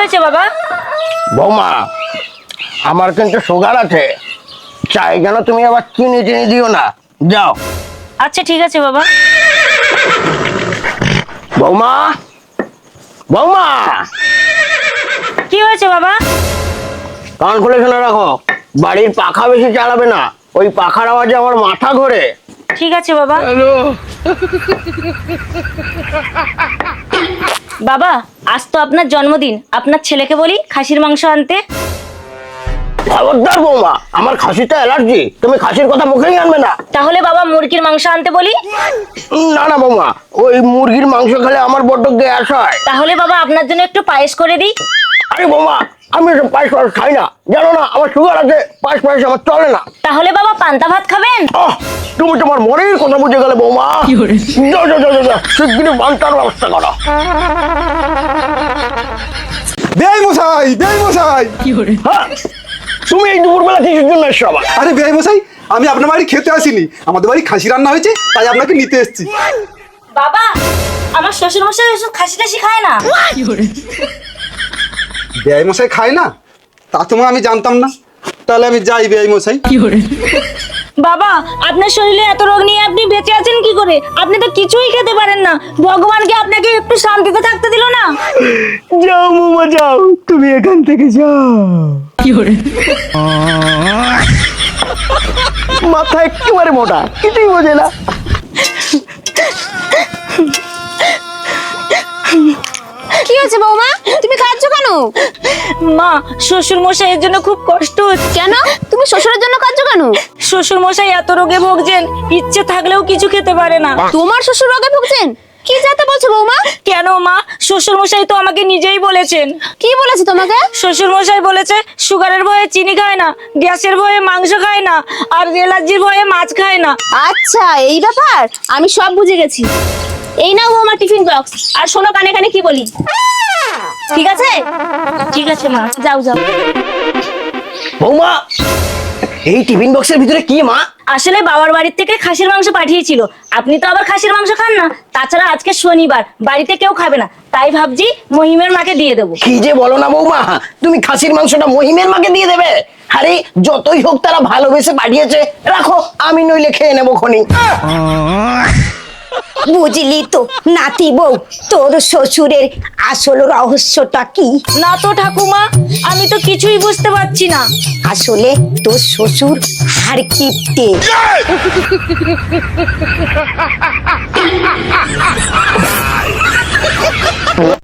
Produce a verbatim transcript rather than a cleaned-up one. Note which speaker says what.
Speaker 1: হয়েছে বাবা?
Speaker 2: বৌমা, আমার কিন্তু সুগার আছে, চাই যেন তুমি আবার চিনি চিনি দিও না। যাও।
Speaker 1: আচ্ছা ঠিক আছে বাবা।
Speaker 2: বৌমা, বৌমা,
Speaker 1: কি হয়েছে বাবা?
Speaker 2: কান খুলে শুনে রাখো, বাড়ির পাখা বেশি চালাবে না, ওই পাখার আওয়াজে আমার মাথা ঘোরে।
Speaker 1: ঠিক আছে বাবা। বাবা, আজ তো আপনার জন্মদিন, আপনার ছেলেকে বলি খাসির মাংস আনতে।
Speaker 2: খবরদার বৌমা, আমার খাসিটা অ্যালার্জি, তুমি খাসির কথা মুখেই আনবে না।
Speaker 1: তাহলে বাবা মুরগির মাংস আনতে বলি।
Speaker 2: না না বৌমা, ওই মুরগির মাংস খেলে আমার বড্ড গ্যাস হয়।
Speaker 1: তাহলে বাবা আপনার জন্য একটু পায়েস করে দিই।
Speaker 2: আরে বৌমা, আমি এসব পায়েস পায়েস খাই না, জানো না আমার সুগার আছে, পায়েস পায়েস আমার চলে না।
Speaker 1: তাহলে বাবা পান্তা ভাত খাবেন?
Speaker 2: আহ, তুমি তোমার মনের কথা বুঝে গেলে বৌমা। যাও যাও যাও যাও, শিগগিরই পান্তার ব্যবস্থা করো।
Speaker 3: বেআই মশাই, বেআই মশাই।
Speaker 2: হ্যাঁ, তুমি এই দুপুরবেলা কিসের জন্য এসছো আবার?
Speaker 3: আরে বেআই মশাই, আমি আপনার বাড়ি খেতে আসিনি, আমাদের বাড়ি খাসি রান্না হয়েছে, তাই আপনাকে নিতে এসেছি।
Speaker 1: বাবা, আমার শ্বশুর মশাই ওসব খাসি টাসি খায় না।
Speaker 3: বেআই মশাই খায় না? তা তোমার আমি জানতাম না, তাহলে আমি যাই বেআই মশাই।
Speaker 1: বাবা, আপনার শরীরে এত রোগ নিয়ে আপনি বেঁচে আছেন কি করে? আপনি তো কিছুই খেতে পারেন না, ভগবানকে আপনাকে একটু শান্তিতে থাকতে দিল না।
Speaker 2: যাও বৌমা যাও, তুমি এখান থেকে যাও। মাথা একেবারে মোটা, কিছুই বোঝে না।
Speaker 4: কি হয়েছে বৌমা, তুমি কাঁদছো কেন?
Speaker 1: মা, শ্বশুর মশাইয়ের জন্য খুব কষ্ট হচ্ছে।
Speaker 4: কেন তুমি শ্বশুরের জন্য কাঁদছো কেন?
Speaker 1: শ্বশুর মশাই এত রোগে ভুগছেন, ইচ্ছে থাকলেও কিছু খেতে পারে না।
Speaker 4: তোমার শ্বশুর রোগে ভুগছেন? কি যাতে বলছো বৌমা?
Speaker 1: কেন মা, শ্বশুর মশাই তো আমাকে নিজেই বলেছেন।
Speaker 4: কি বলেছে তোমাকে?
Speaker 1: শ্বশুর মশাই বলেছে সুগারের ভয়ে চিনি খায় না, গ্যাসের ভয়ে মাংস খায় না, আর অ্যালার্জির ভয়ে মাছ খায় না।
Speaker 4: আচ্ছা এই ব্যাপার, আমি সব বুঝে গেছি। এই নাও বৌমা টিফিন বক্স, আর শোনো কানে কানে কি বলি, ঠিক আছে?
Speaker 1: ঠিক আছে মা।
Speaker 4: যাও যাও।
Speaker 2: বৌমা, এই টিফিন বক্সের ভিতরে কি মা?
Speaker 1: আসলে বাবার বাড়ির থেকে খাসির মাংস পাঠিয়েছিল, আপনি তো আবার খাসির মাংস খান না, তাছাড়া আজকে শনিবার, বাড়িতে কেউ খাবে না, তাই ভাবছি মহিমের মাকে দিয়ে দেবো।
Speaker 2: কি যে বলো না বৌমা, তুমি খাসির মাংসটা মহিমের মাকে দিয়ে দেবে? আরে যতই হোক তারা ভালোবেসে পাঠিয়েছে, রাখো, আমি নইলে খেয়ে নেবো খনি।
Speaker 5: বুঝলি তো নাতি বউ, তোর শ্বশুরের আসল রহস্যটা কি?
Speaker 1: না তো ঠাকুমা, আমি তো কিছুই বুঝতে পারছি না।
Speaker 5: আসলে তোর শ্বশুর হাড় কিপ্টে।